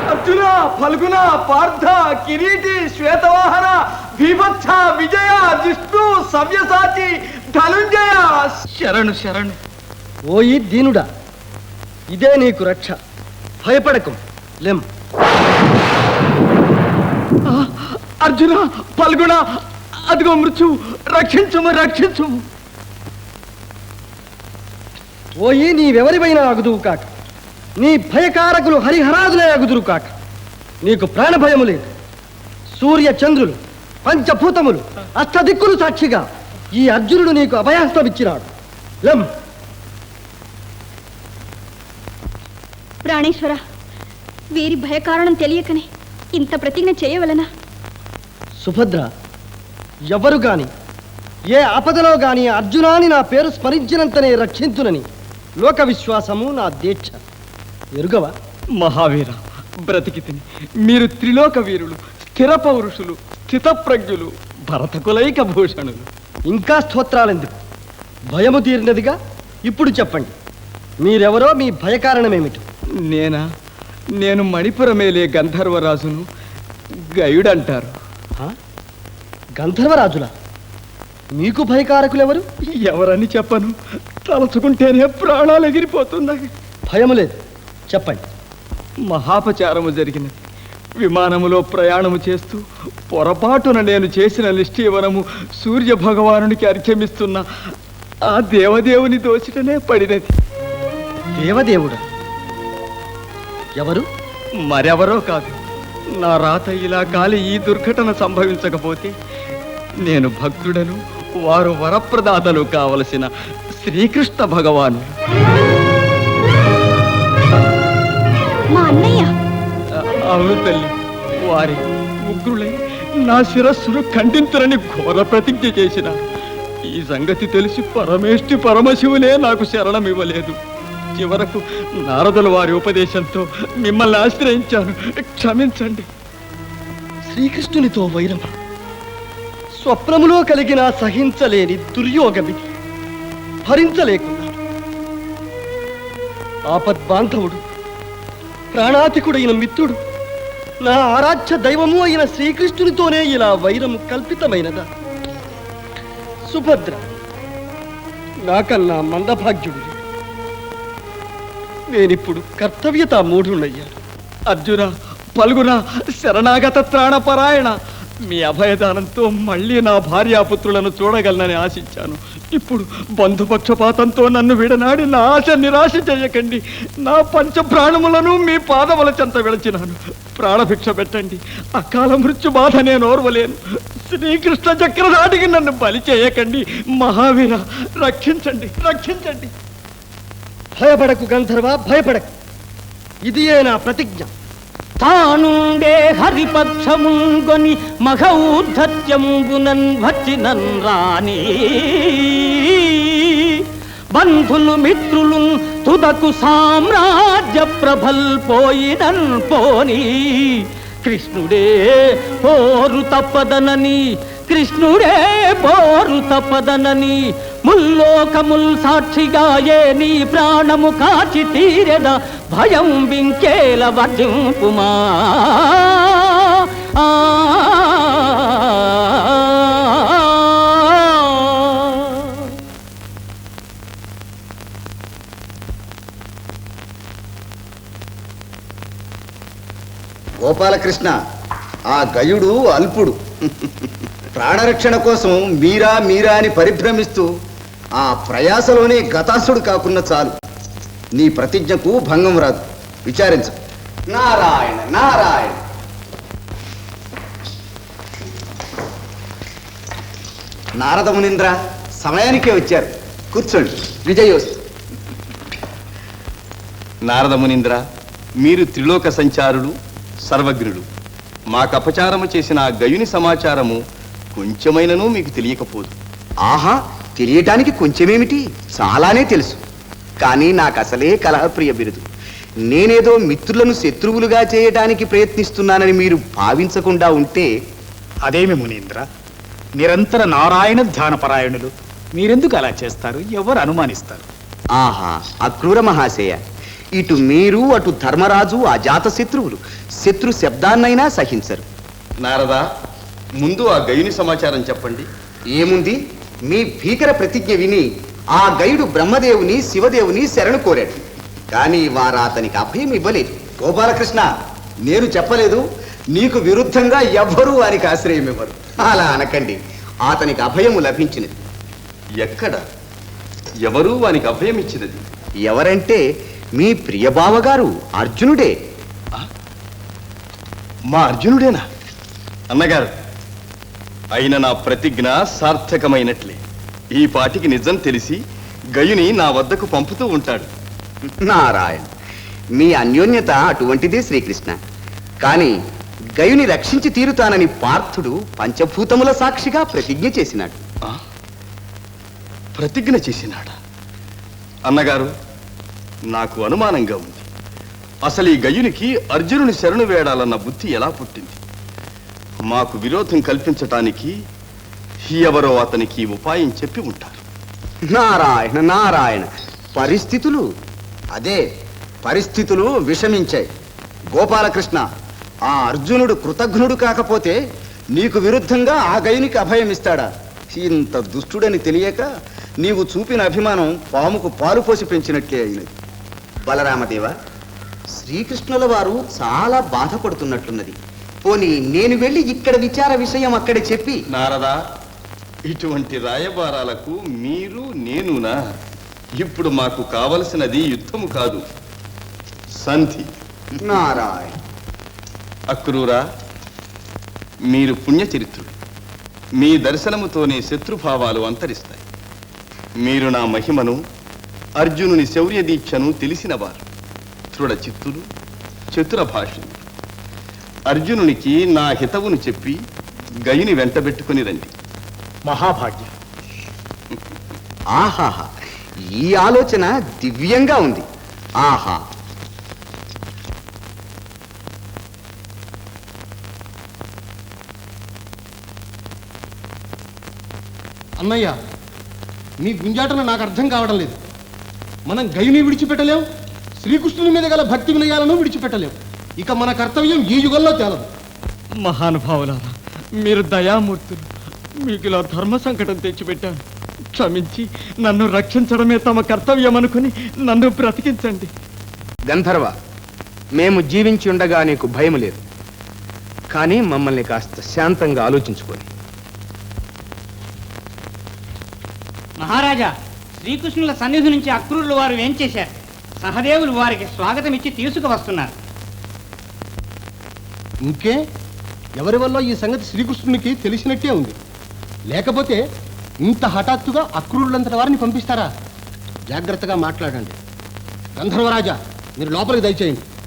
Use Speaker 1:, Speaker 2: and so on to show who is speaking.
Speaker 1: అర్జున, ఫల్గుణ, పార్థ, కిరీటి, శ్వేతవాహన, భీభత్స, విజయ, జిష్ణు, సవ్యసాచి, ధనుంజయ, శరణు శరణు.
Speaker 2: ఓయి దీనుడా, ఇదే నీకు రక్ష. భయపడకు, లెం.
Speaker 1: అర్జున, ఫల్గుణ, అదిగో మృత్యు, రక్షించుము రక్షించుము.
Speaker 2: ఓయి నీవెవరివైనా అగుదువు కాక, నీ భయకారకులు హరిహరాదులే అగుదురు కాక. నీకు ప్రాణభయము లేదు. సూర్య చంద్రులు, పంచభూతములు, అష్టదిక్కులు సాక్షిగా ఈ అర్జునుడు నీకు అభయాస్తమిచ్చినాడు. లెం.
Speaker 3: ప్రాణేశ్వర, వీరి భయకారణం తెలియకనే ఇంత ప్రతిజ్ఞ చేయవలనా?
Speaker 2: సుభద్ర, ఎవరు గాని ఏ ఆపదలో గాని అర్జునాని నా పేరు స్మరించినంతనే రక్షించునని లోక విశ్వాసము నా దీక్ష. ఎరుగవా?
Speaker 1: మహావీర, బ్రతికి తిని మీరు త్రిలోక వీరులు, స్థిర పౌరుషులు, స్థితప్రజ్ఞులు, భరతకులైక భూషణులు.
Speaker 2: ఇంకా స్తోత్రాలెందుకు? భయము తీరినదిగా. ఇప్పుడు చెప్పండి, మీరెవరో, మీ భయకారణమేమిటి?
Speaker 1: నేను మణిపురమేలే గంధర్వరాజును, గయుడంటారు.
Speaker 2: గంధర్వరాజులా? మీకు భయకారకులెవరు?
Speaker 1: ఎవరని చెప్పను, తలుచుకుంటేనే ప్రాణాలు ఎగిరిపోతున్నాయి.
Speaker 2: భయము లేదు, చెప్పండి.
Speaker 1: మహాపచారము జరిగినది. విమానములో ప్రయాణము చేస్తూ పొరపాటున నేను చేసిన నిష్ఠీవనము సూర్య భగవానునికి అర్ఘ్యమిస్తున్న ఆ దేవదేవుని దోచిటనే పడినది.
Speaker 2: దేవదేవుడా? ఎవరు?
Speaker 1: మరెవరో కాదు. నా రాత ఇలా కాలి ఈ దుర్ఘటన సంభవించకపోతే నేను భక్తుడను, వారు వరప్రదాతలు కావలసిన శ్రీకృష్ణ భగవాను.
Speaker 3: మా అన్నయ్య.
Speaker 1: అవును తల్లి, వారి ఉగ్రులై నా శిరస్సును ఖండింతురని ఘోర ప్రతిజ్ఞ చేసిన ఈ సంగతి తెలిసి పరమేష్టి పరమశివులే నాకు శరణమివ్వలేదు. చివరకు నారదుల వారి ఉపదేశంతో మిమ్మల్ని ఆశ్రయించాను. క్షమించండి.
Speaker 2: శ్రీకృష్ణునితో వైరమ స్వప్నములో కలిగిన సహించలేని దుర్యోగమి భరించలేకున్నాడు. ఆపద్బాంధవుడు, ప్రాణాతికుడైన మిత్రుడు, నా ఆరాధ్య దైవము అయిన శ్రీకృష్ణునితోనే ఇలా వైరము కల్పితమైనదా? సుభద్ర నాకన్నా మందభాగ్యుడు. నేనిప్పుడు కర్తవ్యతా మూఢుణ్ణయ్యాను.
Speaker 1: అర్జున, ఫల్గుణ, శరణాగత త్రాణపరాయణ, మీ అభయదానంతో మళ్ళీ నా భార్యాపుత్రులను చూడగలనని ఆశించాను. ఇప్పుడు బంధుపక్షపాతంతో నన్ను విడనాడి నా ఆశ నిరాశ చేయకండి. నా పంచ ప్రాణములను మీ పాదముల చెంత విడచినాను. ప్రాణభిక్ష పెట్టండి. అకాల మృత్యు బాధ నేను ఓర్వలేను. శ్రీకృష్ణ చక్రధాటికి నన్ను బలి చేయకండి. మహావీర, రక్షించండి రక్షించండి.
Speaker 2: భయపడకు గంధర్వ, భయపడకు. ఇదియే నా ప్రతిజ్ఞ.
Speaker 4: తానుండే హరిపక్షముంగొని మఘౌద్ధత్యంబునన్ వచ్చినన్ రాణి బంధులు మిత్రులు తుదకు సామ్రాజ్య ప్రభల్ పోయినన్ పోని కృష్ణుడే పోరు తప్పదనని, కృష్ణుడే పోరు తప్పదనని ముల్లోకముల్ సాక్షిగా ఏ నీ ప్రాణము కాచి తీరెద భయం వింకేల వర్జింపుమా.
Speaker 5: గోపాలకృష్ణ, ఆ గయుడు అల్పుడు. ప్రాణరక్షణ కోసం మీరా మీరా అని పరిభ్రమిస్తూ ఆ ప్రయాసలోనే గతాసుడు కాకున్న చాలు. నీ ప్రతిజ్ఞకు భంగం రాదు. విచారించు. నారాయణ నారాయణ. నారద మునీంద్ర సమయానికే వచ్చారు. కూర్చోండి. విజయోస్తు. నారద మునీంద్ర, మీరు త్రిలోక సంచారులు, సర్వజ్ఞుడు. మాకు అపచారము చేసిన ఆ గయుని సమాచారము కొంచెమైనను మీకు తెలియకపోదు. ఆహా, తెలియటానికి కొంచెమేమిటి, చాలానే తెలుసు. కానీ నాకు అసలే కలహప్రియ బిరుదు. నేనేదో మిత్రులను శత్రువులుగా చేయటానికి ప్రయత్నిస్తున్నానని మీరు భావించకుండా ఉంటే.
Speaker 6: అదేమి మునీంద్ర, నిరంతర నారాయణ ధ్యానపరాయణులు, మీరెందుకు అలా చేస్తారు? ఎవరు అనుమానిస్తారు?
Speaker 5: ఆహా, అక్రూర మహాశయ,
Speaker 7: ఇటు మీరు అటు ధర్మరాజు అజాత శత్రువులు శత్రు శబ్దాన్నైనా సహించరు.
Speaker 5: నారదా, ముందు ఆ గయుని సమాచారం చెప్పండి.
Speaker 7: ఏముంది, మీ భీకర ప్రతిజ్ఞ విని ఆ గైడు బ్రహ్మదేవుని శివదేవుని శరణు కోరాడు. కానీ వారు అతనికి అభయం ఇవ్వలేదు. గోపాలకృష్ణ, నేను చెప్పలేదు, నీకు విరుద్ధంగా ఎవ్వరూ వారికి ఆశ్రయం ఇవ్వరు. అలా అనకండి, అతనికి అభయము లభించినది.
Speaker 5: ఎక్కడ, ఎవరు వానికి అభయం ఇచ్చినది?
Speaker 7: ఎవరంటే మీ ప్రియబావగారు అర్జునుడే.
Speaker 5: మా అర్జునుడేనా? అన్నగారు, అయిన నా ప్రతిజ్ఞ సార్థకమైనట్లే. ఈ పాటికి నిజం తెలిసి గయుని నా వద్దకు పంపుతూ ఉంటాడు.
Speaker 7: నారాయణ, మీ అన్యోన్యత అటువంటిదే శ్రీకృష్ణ. కానీ గయుని రక్షించి తీరుతానని పార్థుడు పంచభూతముల సాక్షిగా ప్రతిజ్ఞ చేసినాడు.
Speaker 5: ఆ? ప్రతిజ్ఞ చేసినాడా? అన్నగారు, నాకు అనుమానంగా ఉంది. అసలు ఈ గయునికి అర్జునుని శరణు వేడాలన్న బుద్ధి ఎలా పుట్టింది? మాకు విరోధం కల్పించటానికి ఎవరో అతనికి ఉపాయం చెప్పి ఉంటారు.
Speaker 7: నారాయణ నారాయణ, పరిస్థితులు విషమించాయి. గోపాలకృష్ణ, ఆ అర్జునుడు కృతజ్ఞుడు కాకపోతే నీకు విరుద్ధంగా ఆ గయునికి అభయం ఇస్తాడా? ఇంత దుష్టుడని తెలియక నీవు చూపిన అభిమానం పాముకు పాలు పోసి పెంచినట్లే అయినది. బలరామదేవ, శ్రీకృష్ణుల వారు చాలా బాధపడుతున్నట్లున్నది. పోనీ నేను వెళ్ళి ఇక్కడ విచార విషయం అక్కడ చెప్పి.
Speaker 5: నారదా, ఇటువంటి రాయబారాలకు మీరు నేనునా? ఇప్పుడు మాకు కావలసినది యుద్ధము కాదు, సంధి.
Speaker 7: నారాయణ.
Speaker 5: అక్రూరా, మీరు పుణ్యచరిత్రుడు. మీ దర్శనముతోనే శత్రుభావాలు అంతరిస్తాయి. మీరు నా మహిమను, అర్జునుని శౌర్య దీక్షను తెలిసినవారు. దృఢ చిత్తులు, చతుర భాషలు. అర్జునునికి నా హితవును చెప్పి గయుని వెంటబెట్టుకుని రండి.
Speaker 6: మహాభాగ్యం.
Speaker 7: ఆహాహా, ఈ ఆలోచన దివ్యంగా ఉంది. ఆహా.
Speaker 2: అన్నయ్య, మీ గుంజాటన నాకు అర్థం కావడం లేదు. మనం గయుని విడిచిపెట్టలేం, శ్రీకృష్ణుని మీద గల భక్తి వినయాలను విడిచిపెట్టలేం. ఇక మన కర్తవ్యం ఈ యుగంలో తేలదు.
Speaker 1: మహానుభావులారా, మీరు దయామూర్తులు. మీకు ఇలా ధర్మ సంకటం తెచ్చిపెట్టాను. క్షమించి నన్ను రక్షించడమే తమ కర్తవ్యం అనుకుని నన్ను బ్రతికించండి.
Speaker 8: గంధర్వ, మేము జీవించి ఉండగా నీకు భయం లేదు. కానీ మమ్మల్ని కాస్త శాంతంగా ఆలోచించుకొని.
Speaker 4: మహారాజా, శ్రీకృష్ణుల సన్నిధి నుంచి అక్రూరులు వారు ఏం చేశారు? సహదేవులు వారికి స్వాగతం ఇచ్చి తీసుకువస్తున్నారు.
Speaker 2: ఇంకే, ఎవరి వల్ల ఈ సంగతి శ్రీకృష్ణునికి తెలిసినట్టే ఉంది. లేకపోతే ఇంత హఠాత్తుగా అక్రూరులంతటి వారిని పంపిస్తారా? జాగ్రత్తగా మాట్లాడండి. గంధర్వరాజా, మీరు లోపలికి దయచేయండి.